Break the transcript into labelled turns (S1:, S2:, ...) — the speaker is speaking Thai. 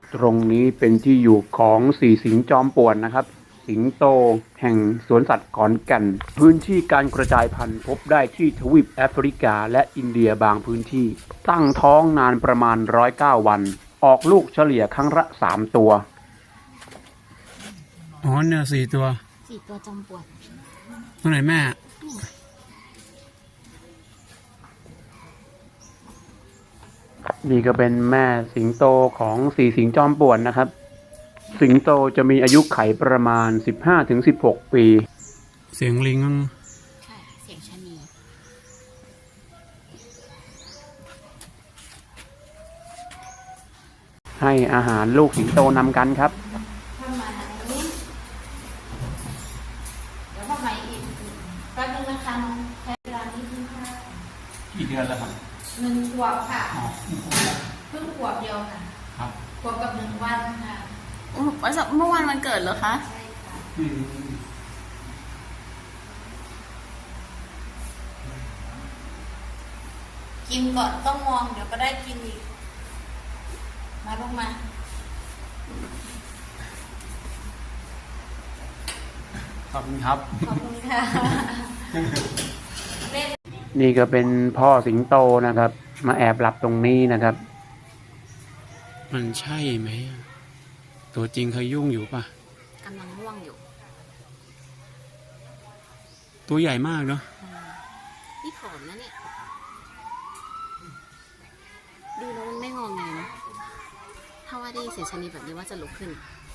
S1: ตรงนี้เป็นที่อยู่ของสี่สิงห์จอมป่วนนะครับสิงโตแห่งสวนสัตว์ขอนแก่นพื้นที่การกระจายพันธุ์พบได้ที่ทวีปแอฟริกาและอินเดียบางพื้นที่ตั้งท้องนานประมาณ109 วันออกลูกเฉลี่ยครั้งละ3 ตัวอ๋อเนี่ย4 ตัว
S2: 4 ตัวจอมป่วน
S1: ตัวไหนแม่นี่ก็เป็นแม่สิงโตของสี่สิงห์จอมป่วนนะครับสิงโตจะมีอายุไขประมาณ15 ถึง 16 ปีเสียงลิง
S2: ใช่เสียงชะนี
S1: ให้อาหารลูกสิงโตนำกันครับ
S2: ทำมานี้เดี๋ยวทำไมอีกแป๊บนึงนะคะน้องแค่เวลานี้เพิ่งค่ะ
S1: กี่เดือนแล้วครับ
S2: 1 ขวบค่ะเพิ่งขวบเดียวค่ะ
S1: ครับ
S2: ขวบกับ1 วันค่ะ
S3: เมื่อวานวันเกิดเหรอคะ
S2: ใช่ค่ะกินก่อนต้องมองเดี๋ยวก็ได้กินอีกมาลงมา
S1: ขอบคุณครับ
S2: ขอบคุณค่ะ
S1: นี่ก็เป็นพ่อสิงโตนะครับมาแอบหลับตรงนี้นะครับมันใช่ไหมตัวจริงเขายุ่งอยู่ปะ
S2: กำลังง่วงอยู่
S1: ตัวใหญ่มากเนาะ
S2: นี่ผอมนะเนี่ยดูแล้วมันไม่งอแงนะถ้าว่าได้ยินเสียงชะนีแบบนี้ว่าจะลุกขึ้น